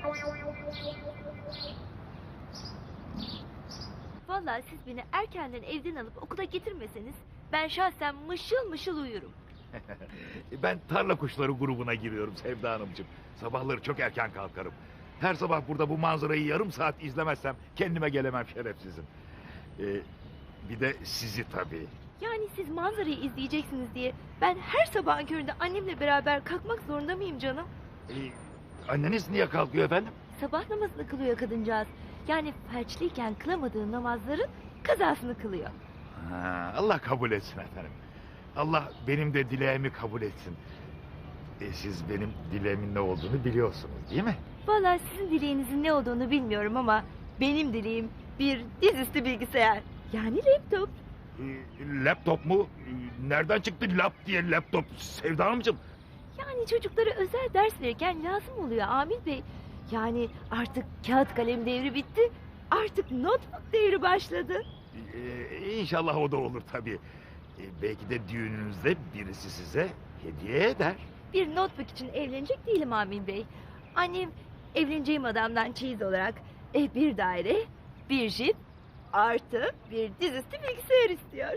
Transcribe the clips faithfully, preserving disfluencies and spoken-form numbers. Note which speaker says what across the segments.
Speaker 1: Vallahi siz beni erkenden evden alıp okula getirmeseniz ben şahsen mışıl mışıl uyurum.
Speaker 2: Ben tarla kuşları grubuna giriyorum Sevda Hanımcığım. Sabahları çok erken kalkarım. Her sabah burada bu manzarayı yarım saat izlemezsem kendime gelemem şerefsizim. Ee, bir de sizi tabii.
Speaker 1: Yani siz manzarayı izleyeceksiniz diye ben her sabahın köründe annemle beraber kalkmak zorunda mıyım canım?
Speaker 2: Ee, anneniz niye kalkıyor efendim?
Speaker 1: Sabah namazını kılıyor kadıncağız. Yani felçliyken kılamadığı namazların kazasını kılıyor.
Speaker 2: Ha, Allah kabul etsin efendim. Allah benim de dileğimi kabul etsin. Ee, siz benim dileğimin ne olduğunu biliyorsunuz değil mi?
Speaker 1: Vallahi sizin dileğinizin ne olduğunu bilmiyorum ama benim dileğim bir dizüstü bilgisayar. Yani laptop.
Speaker 2: Ee, laptop mu? Ee, nereden çıktı lap diye laptop Sevda Hanımcığım?
Speaker 1: Yani çocuklara özel ders verirken lazım oluyor Amil Bey. Yani artık kağıt kalem devri bitti. Artık notebook devri başladı.
Speaker 2: Ee, inşallah o da olur tabii. Ee, belki de düğününüzde birisi size hediye eder.
Speaker 1: Bir notebook için evlenecek değilim Amil Bey. Annem evleneceğim adamdan çeyiz olarak e, bir daire, bir jip artı bir dizüstü bilgisayar istiyor.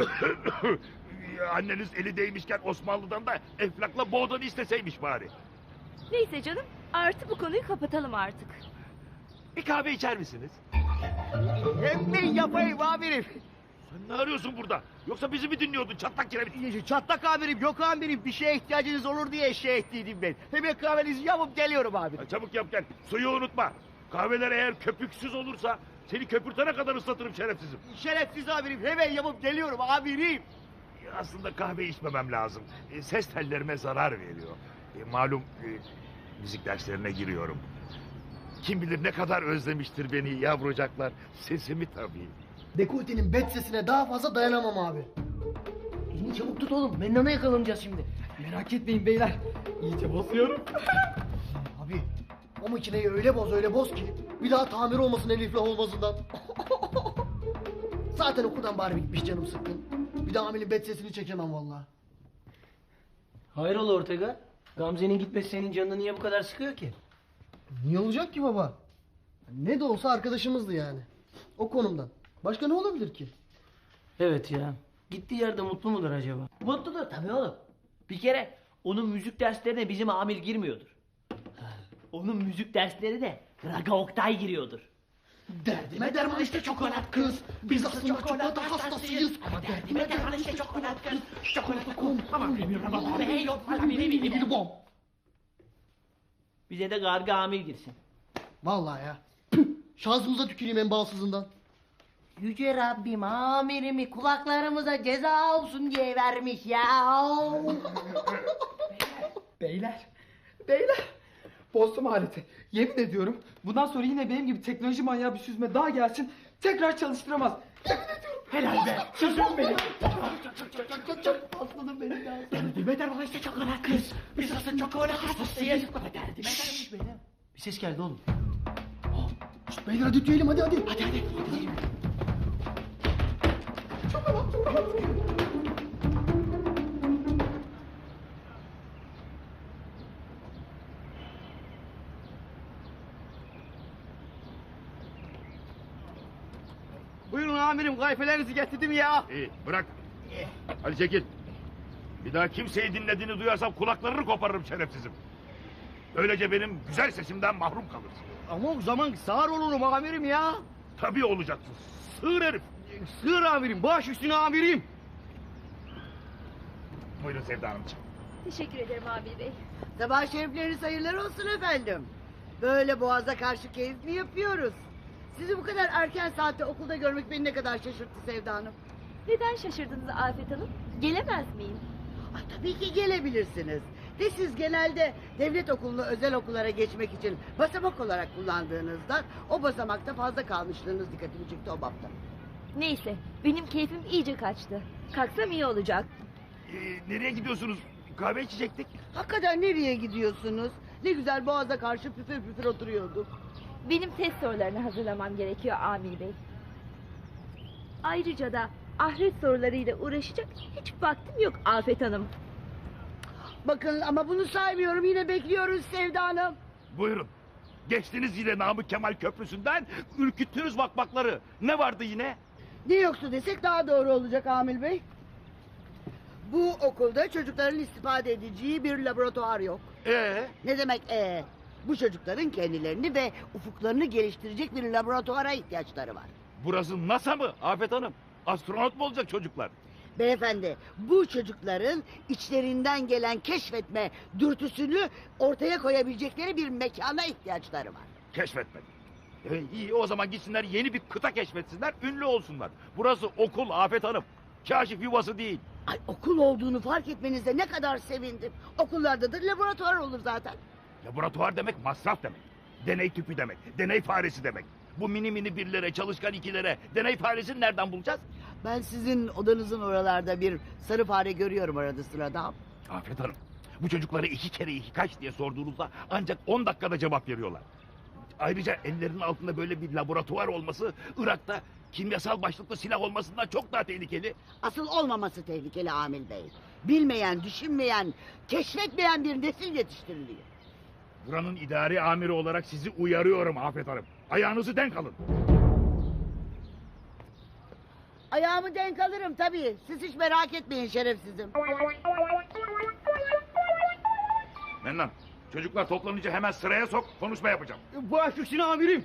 Speaker 2: Anneniz eli değmişken Osmanlı'dan da Eflak'la Boğdan'ı isteseymiş bari.
Speaker 1: Neyse canım, artı bu konuyu kapatalım artık.
Speaker 2: Bir kahve içer misiniz?
Speaker 3: Hem de yapayım amirim.
Speaker 2: Sen ne arıyorsun burada? Yoksa bizi mi dinliyordun çatlak kiremit?
Speaker 3: Çatlak amirim, yok amirim. Bir şeye ihtiyacınız olur diye şey ettiydim ben. Hemen kahvenizi yapıp geliyorum amirim.
Speaker 2: Ha, çabuk yap gel. Suyu unutma. Kahveler eğer köpüksüz olursa seni köpürtene kadar ıslatırım şerefsizim.
Speaker 3: Şerefsiz amirim, hemen yapıp geliyorum amirim.
Speaker 2: Aslında kahve içmemem lazım. E, ses tellerime zarar veriyor. E, malum e, müzik derslerine giriyorum. Kim bilir ne kadar özlemiştir beni yavrucaklar. Sesimi tabii.
Speaker 4: Dekoltenin bet sesine daha fazla dayanamam abi.
Speaker 5: Elini çabuk tut oğlum. Mennana yakalanacağız şimdi.
Speaker 4: Merak etmeyin beyler. İyice basıyorum. Abi o makineyi öyle boz öyle boz ki bir daha tamir olmasın Elif'le olmasından. Zaten okuldan bari bitmiş canım sıkkın. Bir daha Amil'in bet sesini çekemem vallahi.
Speaker 5: Hayrola Ortega? Gamze'nin gitmesi senin canını niye bu kadar sıkıyor ki?
Speaker 4: Niye olacak ki baba? Ne de olsa arkadaşımızdı yani. O konumdan. Başka ne olabilir ki?
Speaker 5: Evet ya. Gittiği yerde mutlu mudur acaba? Mutludur tabii oğlum. Bir kere onun müzik derslerine bizim amir girmiyordur. Onun müzik derslerine Raga Oktay giriyordur.
Speaker 4: Derdime derman işte çokolat kız. Biz aslında çikolata hastasıyız. Ama derdime derman işte çokolat kız. Çikolata kum. Bom.
Speaker 5: Bize de Garga amir girsin.
Speaker 4: Vallahi ya. Püh, şansımıza tüküreyim en balsızından.
Speaker 5: Yüce Rabbim amirimi kulaklarımıza ceza olsun diye vermiş ya.
Speaker 6: Beyler, beyler. Bozdum aleti. Yemin ediyorum bundan sonra yine benim gibi teknoloji manyağı bir süzme daha gelsin tekrar çalıştıramaz. Yemin ediyorum. Helal be. Süzüm benim.
Speaker 4: Aslanım benim ya.
Speaker 5: Derdime derman işte çokolat kız. Biz aslında çokolat hastasıyız. Derdime
Speaker 4: Şşş beyler.
Speaker 5: Bir ses geldi oğlum.
Speaker 4: Şşt beyler hadi tüyelim hadi hadi.
Speaker 5: Hadi hadi.
Speaker 3: Buyurun amirim, kayfelerinizi getirdim ya.
Speaker 2: İyi bırak. Hadi çekil. Bir daha kimseyi dinlediğini duyarsam kulaklarını koparırım şerefsizim. Böylece benim güzel sesimden mahrum kalırsın.
Speaker 3: Ama o zaman sağır olurum amirim ya.
Speaker 2: Tabii olacaksın. Sığır herif.
Speaker 3: Sığır amirim, baş üstüne amirim.
Speaker 2: Buyurun Sevda Hanımcığım.
Speaker 1: Teşekkür ederim Amil Bey.
Speaker 7: Sabah şerifleriniz hayırlar olsun efendim. Böyle boğaza karşı keyif mi yapıyoruz? Sizi bu kadar erken saatte okulda görmek beni ne kadar şaşırttı Sevda Hanım.
Speaker 1: Neden şaşırdınız Afet Hanım? Gelemez miyim?
Speaker 7: Ay, tabii ki gelebilirsiniz. De siz genelde devlet okulunu özel okullara geçmek için basamak olarak kullandığınızda o basamakta fazla kalmışlığınız dikkatimi çekti o bapta.
Speaker 1: Neyse, benim keyfim iyice kaçtı. Kalksam iyi olacak.
Speaker 2: Ee, nereye gidiyorsunuz? Kahve içecektik.
Speaker 7: Hakikaten nereye gidiyorsunuz? Ne güzel boğaza karşı püfür püfür oturuyorduk.
Speaker 1: Benim test sorularını hazırlamam gerekiyor Amil Bey. Ayrıca da ahiret sorularıyla uğraşacak hiç vaktim yok Afet Hanım.
Speaker 7: Bakın ama bunu saymıyorum, yine bekliyoruz Sevda Hanım.
Speaker 2: Buyurun. Geçtiniz yine Namık Kemal Köprüsü'nden, ürküttünüz vakvakları. Ne vardı yine?
Speaker 7: Ne yoksa desek daha doğru olacak Amil Bey. Bu okulda çocukların istifade edeceği bir laboratuvar yok.
Speaker 2: Ee,
Speaker 7: Ne demek ee? Bu çocukların kendilerini ve ufuklarını geliştirecek bir laboratuvara ihtiyaçları var.
Speaker 2: burası NASA mı Afet Hanım? Astronot mu olacak çocuklar?
Speaker 7: Beyefendi, bu çocukların içlerinden gelen keşfetme dürtüsünü ortaya koyabilecekleri bir mekana ihtiyaçları var.
Speaker 2: Keşfetmek. E, iyi o zaman gitsinler yeni bir kıta keşfetsinler, ünlü olsunlar. Burası okul Afet Hanım. Kaşif yuvası değil.
Speaker 7: Ay, okul olduğunu fark etmenize ne kadar sevindim. Okullarda da laboratuvar olur zaten.
Speaker 2: Laboratuvar demek masraf demek. Deney tüpü demek. Deney faresi demek. Bu mini mini birlere, çalışkan ikilere deney faresini nereden bulacağız?
Speaker 7: Ben sizin odanızın oralarda bir sarı fare görüyorum arada sırada.
Speaker 2: Afet Hanım, bu çocuklara iki kere iki kaç diye sorduğunuzda ancak on dakikada cevap veriyorlar. Ayrıca ellerinin altında böyle bir laboratuvar olması Irak'ta kimyasal başlıklı silah olmasından çok daha tehlikeli.
Speaker 7: Asıl olmaması tehlikeli Amil Bey. Bilmeyen, düşünmeyen, keşfetmeyen bir nesil yetiştiriliyor.
Speaker 2: Buranın idari amiri olarak sizi uyarıyorum Afet Hanım. Ayağınızı denk alın.
Speaker 7: Ayağımı denk alırım tabii. Siz hiç merak etmeyin şerefsizim.
Speaker 2: Mennan, çocuklar toplanınca hemen sıraya sok, konuşma yapacağım.
Speaker 3: Baş üstüne amirim.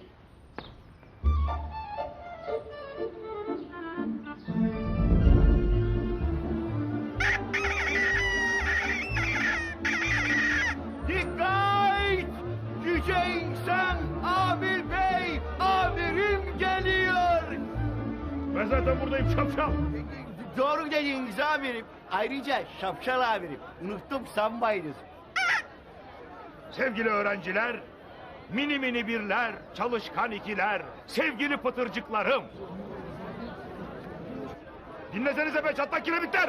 Speaker 3: Dikkat! Yüce insan Amir Bey, amirim geliyor.
Speaker 2: Ben zaten buradayım şapşal.
Speaker 3: Doğru dediniz amirim. Ayrıca şapşal amirim. Unuttum sanmayınız.
Speaker 2: Sevgili öğrenciler, mini mini birler, çalışkan ikiler, sevgili pıtırcıklarım. Dinlesenize be çatlak kiremitler.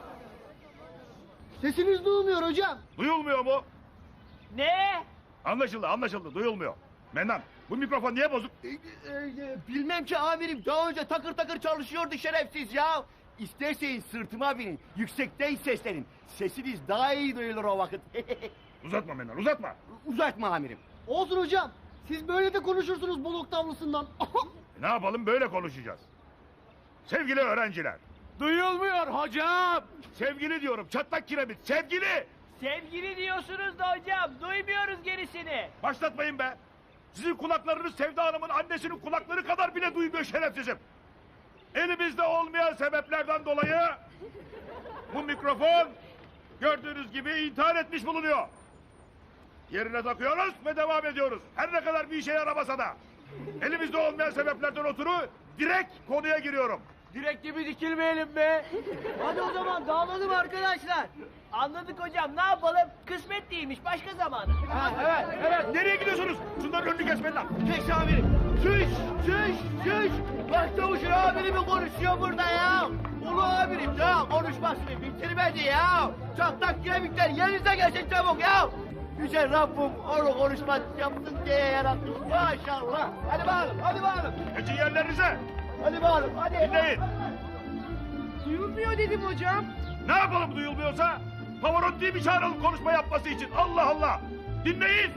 Speaker 4: Sesiniz duyulmuyor hocam.
Speaker 2: Duyulmuyor mu?
Speaker 5: Ne?
Speaker 2: Anlaşıldı, anlaşıldı, duyulmuyor. Mennan, bu mikrofon niye bozuk?
Speaker 3: E, e, Bilmem ki amirim. Daha önce takır takır çalışıyordu şerefsiz ya. İsterseniz sırtıma binin. Yüksekten seslenin. Sesiniz daha iyi duyulur o vakit.
Speaker 2: Uzatma Mennan, uzatma.
Speaker 3: Uzatma amirim.
Speaker 4: Olsun hocam. Siz böyle de konuşursunuz bol oktavlısından.
Speaker 2: E, ne yapalım, böyle konuşacağız. Sevgili öğrenciler,
Speaker 3: Duyulmuyor hocam.
Speaker 2: sevgili diyorum, çatlak kiremit, sevgili!
Speaker 5: Sevgili diyorsunuz da hocam, duymuyoruz gerisini.
Speaker 2: Başlatmayın be! Sizin kulaklarınız Sevda Hanım'ın annesinin kulakları kadar bile duymuyor şerefsizim. Elimizde olmayan sebeplerden dolayı bu mikrofon gördüğünüz gibi intihar etmiş bulunuyor. Yerine takıyoruz ve devam ediyoruz. Her ne kadar bir işe yaramasa da. Elimizde olmayan sebeplerden ötürü direkt konuya giriyorum.
Speaker 5: Direkt gibi dikilmeyelim be. Hadi o zaman dağılalım arkadaşlar. Anladık hocam, ne yapalım? Kısmet değilmiş, başka zamanı.
Speaker 3: Ha, evet, evet.
Speaker 2: Nereye gidiyorsunuz? Şunların önünü kesmeyin lan.
Speaker 3: Geç amirim. Şuş, şuş, şuş. Başçavuşun amiri mi konuşuyor burada ya? Ulu amirim ya konuşmasını bitirmedi ya. Çatlak kiremitler yerinize gelsin çabuk ya. Yüce Rabbim onu konuşma yapsın diye yaratmış maşallah. Hadi bakalım, hadi bakalım.
Speaker 2: Geçin yerlerinize.
Speaker 3: Hadi bakalım, hadi.
Speaker 2: Dinleyin.
Speaker 6: Duyulmuyor dedim hocam.
Speaker 2: Ne yapalım duyulmuyorsa? Pavarotti'yi bir çağıralım konuşma yapması için. Allah Allah. Dinleyin.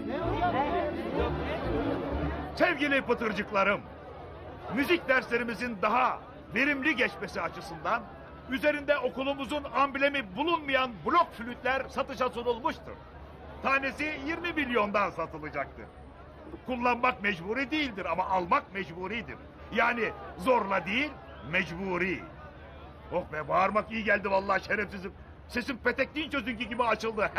Speaker 2: Sevgili pıtırcıklarım. Müzik derslerimizin daha verimli geçmesi açısından üzerinde okulumuzun amblemi bulunmayan blok flütler satışa sunulmuştur. Tanesi yirmi milyondan satılacaktır. Kullanmak mecburi değildir ama almak mecburidir. Yani zorla değil, mecburi. Oh be, bağırmak iyi geldi vallahi şerefsizim. Sesim petekliğin çözünkü gibi açıldı.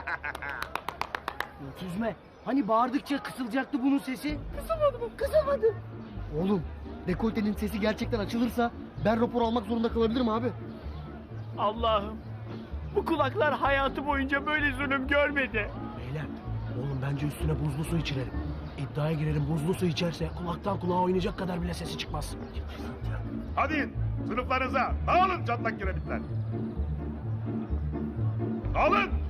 Speaker 5: Süzme, hani bağırdıkça kısılacaktı bunun sesi?
Speaker 4: Kısılmadı, kısılmadı. Oğlum, dekoltenin sesi gerçekten açılırsa ben rapor almak zorunda kalabilirim abi.
Speaker 5: Allah'ım, bu kulaklar hayatı boyunca böyle zulüm görmedi.
Speaker 8: Beyler, oğlum bence üstüne buzlu su içirelim. İddiaya girelim, buzlu su içerse kulaktan kulağa oynayacak kadar bile sesi çıkmaz.
Speaker 2: Hadi sınıflarınıza dağılın çatlak kiremitler. Dağılın.